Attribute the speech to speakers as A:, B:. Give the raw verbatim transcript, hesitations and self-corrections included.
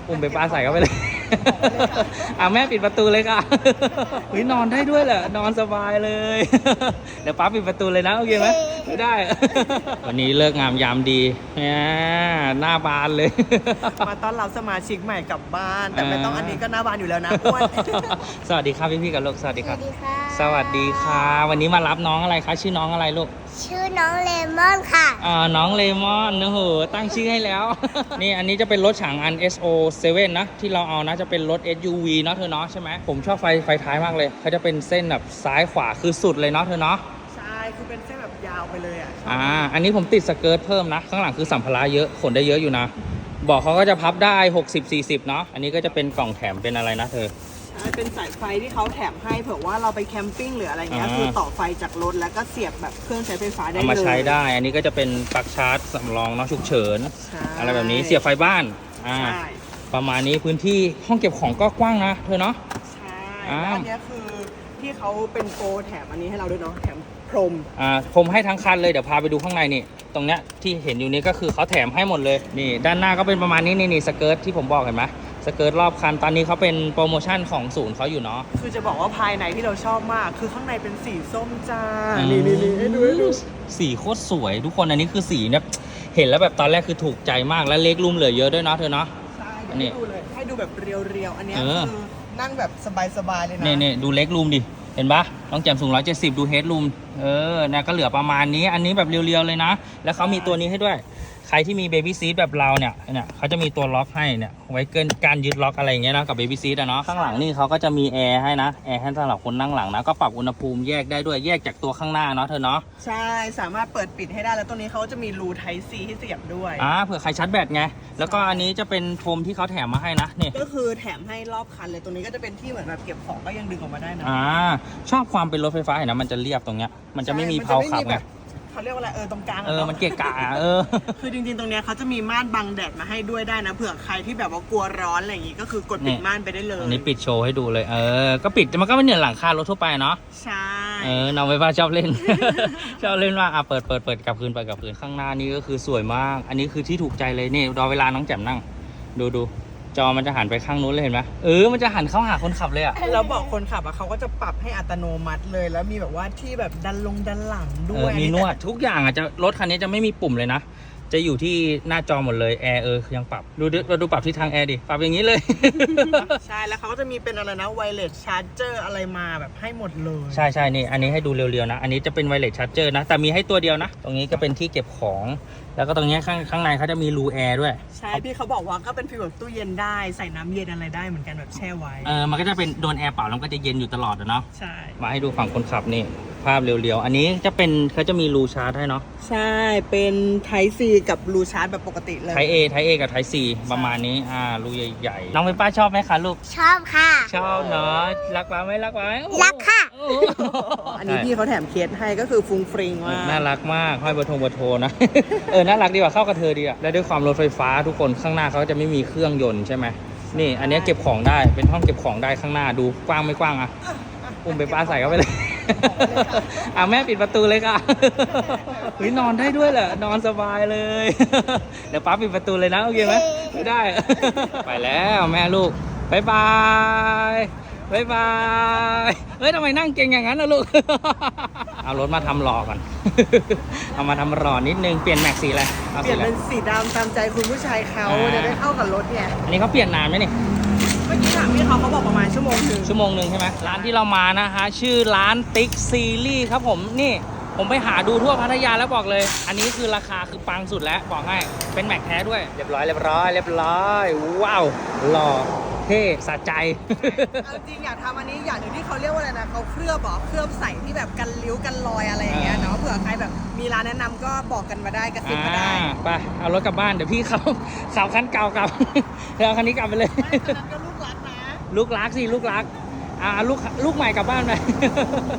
A: อุ้มไปปลาใส่เข้าไปเลยอ่ะแม่ปิดประตูเลยค่ะเฮ้ยนอนได้ด้วยเหรอนอนสบายเลยเดี๋ยวป้าปิดประตูเลยนะโอเคไหมไม่ได้วันนี้เลิกงามยามดีเนี่ยหน้าบานเลย
B: มาต้อนรับสมาชิกใหม่กลับบ้านแต่ไม่ต้องอันนี้ก็หน้าบานอยู่แล้วนะอ้วน
A: สวัสดีครับพี่ๆกับลูกสวัสดีครับ
C: สวัสดีค่ะ
A: สวัสดีค่ะวันนี้มารับน้องอะไรคะชื่อน้องอะไรลูก
C: ชื่อน้องเลมอนค่ะ
A: อ่าน้องเลมอนโอ้โหตั้งชื่อให้แล้ว นี่อันนี้จะเป็นรถฉางอัน เอส โอ เซเว่น นะที่เราเอานะจะเป็นรถ เอส ยู วี เนาะเธอเนาะใช่ไหมผมชอบไฟไฟท้ายมากเลยเขาจะเป็นเส้นแบบซ้ายขวาคือสุดเลยเนาะเธอเนาะ
B: ใช่คือเป็นเส้นแบบยาวไปเลยอ่ะ
A: อ่าอันนี้ผมติดสเกิร์ตเพิ่มนะข้างหลังคือสัมภาระเยอะขนได้เยอะอยู่นะบอกเขาก็จะพับได้หกสิบ สี่สิบเนาะอันนี้ก็จะเป็นกล่องแถมเป็นอะไรนะเธอ
B: เป็นสายไฟที่เขาแถมให้เผื่อว่าเราไปแคมปิ้งหรืออะไรเงี้ยคือต่อไฟจากรถแล้วก็เสียบแบบเครื่องใช้ไฟฟ้าได้เลย
A: เอามาใช้ได้อันนี้ก็จะเป็นปลั๊กชาร์จสำรองเนาะฉุกเฉินอะไรแบบนี้เสียบไฟบ้านอ่าประมาณนี้พื้นที่ห้องเก็บของก็กว้างนะเธอเนาะ
B: ใช่แล้วอันนี้คือที่เขาเป็นโปรแถมอันนี้ให้เราด้วยเนาะแถมพรม
A: อ่าพรมให้ทั้งคันเลยเดี๋ยวพาไปดูข้างในนี่ตรงเนี้ยที่เห็นอยู่นี้ก็คือเขาแถมให้หมดเลยนี่ด้านหน้าก็เป็นประมาณนี้นี่นี่สเกิร์ตที่ผมบอกเห็นไหมสเกิร์ตรอบคันตอนนี้เขาเป็นโปรโมชั่นของศูนย์เขาอยู่เนาะ
B: คือจะบอกว่าภายในที่เราชอบมากคือข้างในเป็นสีส้มจ้านี่นี่นี่ให้ดูให้ดู
A: สีโคตรสวยทุกคนอันนี้คือสีเนี่ยเห็นแล้วแบบตอนแรกคือถูกใจมากและเล็กลุ่มเหลือเยอะด้วยเนาะเธอเนาะ
B: ใช่ให้ดูเลยให้ดูแบบเรียวๆอันนี้คือนั่งแบบสบายๆเลยนะ
A: นี่นี่ดูเล็กลุ่มดิเห็นปะน้องแจ่มสูงหนึ่งร้อยเจ็ดสิบดูเฮดรูมเออนะก็เหลือประมาณนี้อันนี้แบบเรียวๆเลยนะแล้วเขามีตัวนี้ให้ด้วยใครที่มีเบบี้ซีทแบบเราเนี่ยเนี่ยเขาจะมีตัวล็อกให้เนี่ยไว้เกินการยึดล็อกอะไรอย่างเงี้ยนะกับเบบี้ซีทอะเนาะข้างหลังนี่เขาก็จะมีแอร์ให้นะแอร์ให้สำหรับคนนั่งหลังนะก็ปรับอุณหภูมิแยกได้ด้วยแยกจากตัวข้างหน้าเนาะเธอเนาะ
B: ใช่สามารถเปิดปิดให้ได้แล้วตัวนี้เขาจะมีรู Type C ให้เสียบด้วย
A: อ่าเผื่อใครชาร์จแบตไงแล้วก็อันนี้จะเป็นโฟมที่เขาแถมมาให้นะนี่
B: ก็คือแถมให้รอบคันเลยตัวนี้ก็จะเป็นที่เหมือนแบบเก็บของก็ยังดึงออกมาได้นะ
A: อ่าชอบความเป็นรถไฟฟ้าเห็นนะมันจะเรียบตรงเนี้ยมันจะไม่มีเพลาขับไง
B: เขาเรียกว่าอะไรเออตรงกลาง
A: เออมันเกะกะเออ
B: คือจริงๆตรงเนี้ยเขาจะมีม่านบังแดดมาให้ด้วยได้นะเผื่อใครที่แบบว่ากลัวร้อนอะไรอย่างงี้ก็คือกดปิดม่านไปได้เลย
A: อันนี้ปิดโชว์ให้ดูเลยเออก็ปิดมันก็ไม่เหนือหลังคารถทั่วไปเนาะ
B: ใช่
A: เออน้องไฟฟ้าชอบเล่น ชอบเล่นว่าอ่ะเปิดเปิดเปิดกลับคืนเปิดกลับคืนข้างหน้านี่ก็คือสวยมากอันนี้คือที่ถูกใจเลยนี่รอเวลาน้องแจ่มนั่งดูดูจอมันจะหันไปข้างนู้นเลยเห็นไหมเออมันจะหันเข้าหาคนขับเลยอ่ะ
B: แล้วบอกคนขับอ่ะเขาก็จะปรับให้อัตโนมัติเลยแล้วมีแบบว่าที่แบบดันลงดันหลังด้วย
A: มีนวดทุกอย่างอ่ะจะรถคันนี้จะไม่มีปุ่มเลยนะจะอยู่ที่หน้าจอหมดเลยแอร์เออยังปรับดูเราดูปรับที่ทางแอร์ดิปรับอย่างนี้เลย
B: ใช่แล้วเขาก็จะมีเป็นอะไรนะไวเลสชาร์จเจอร์อะไรมาแบบให้หมดเลย
A: ใช่ใช่นี่อันนี้ให้ดูเรียวๆนะอันนี้จะเป็นไวเลสชาร์จเจอร์นะแต่มีให้ตัวเดียวนะตรงนี้ก็เป็นที่เก็บของแล้วก็ตรงนี้ข้างข้างในเขาจะมีรูแอร์ด้วย
B: ใช่พี่เขาบอกว่าก็เป็นฟีลแบบตู้เย็นได้ใส่น้ำเย็นอะไรได้เหมือนกันแบบแช่ไว้
A: เออมันก็จะเป็นโดนแอร์เป่าแล้วก็จะเย็นอยู่ตลอดเนาะ
B: ใช่
A: มาให้ดูฝั่งคนขับนี่ภาพเรียวๆอันนี้จะเป็นเขาจะมีรูชาร์จให้เนาะ
B: ใช่เป็น Type C กับรูชาร์จแบบปกติเลย
A: Type A Type A กับ Type C ประมาณนี้อ่ารูใหญ่ๆน้องเป็นป้าชอบไหมคะลูก
C: ชอบค่ะ
A: ชอบเนาะรักป้าไหมรักป้า
C: รักค่ะ
B: อันนี้พี่เขาแถมเคสให้ก็คือฟุ้งฟริงมาก
A: น่ารักมากห้อยเบอร์โทรเบอร์โทรนะเออน่ารักดีกว่าเข้ากับเธอดีอ่ะและด้วยความรถไฟฟ้าทุกคนข้างหน้าเขาจะไม่มีเครื่องยนต์ใช่ไหมนี่อันนี้เก็บของได้เป็นห้องเก็บของได้ข้างหน้าดูกว้างไม่กว้างอ่ะอุ้มไปป้าใส่เข้าไปเลยอ่ะแม่ปิดประตูเลยค่ะเฮ้ยนอนได้ด้วยเหรอนอนสบายเลยเดี๋ยวป้าปิดประตูเลยนะโอเคไหมไม่ได้ไปแล้วแม่ลูกบายบายบายบายเฮ้ยทำไมนั่งเก่งอย่างนั้นนะลูกเอารถมาทำหล่อก่อนเอามาทำหล่อนิดนึงเปลี่ยนแม็กสีอะไร
B: เปลี่ยนเป็นสีดำตามใจคุณผู้ชายเขาจะได้เข้ากับรถไง
A: อันนี้เขาเปลี่ยนนานไหมนี่
B: เมื่อกี้ถามพี่เขาเขาบอกประมาณชั่วโมงนึง
A: ชั่วโมงหนึ่งใช่ไหมร้านที่เรามานะฮะชื่อร้านติ๊กซีรีส์ครับผมนี่ผมไปหาดูทั่วพัทยาแล้วบอกเลยอันนี้คือราคาคือปังสุดแล้วบอกให้เป็นแม็กแท้ด้วยเรียบร้อยเรียบร้อยเรียบร้อยว้าวหล่อเท่สะใจ
B: จริงอยากทำอันนี้อย่างหนึ่งที่เขาเรียกว่าอะไรนะเขาเคลือบบอกเคลือบใส่ที่แบบกันริ้วกันรอยอะไรอย่างเงี้ยเนาะเผื่อใครแบบมีร้านแนะนำก็บอกกันมาได้กระซิบมาได้
A: ไปเอารถกลับบ้านเดี๋ยวพี่เขาขับคันเก่ากลับเดี๋ยวเอาคันนี้กลับไปเลย
B: ไม่คันนั้นก็ลูกรักนะ
A: ลูกรักสิลูกรักอ่าลูกลูกใหม่กลับบ้านไป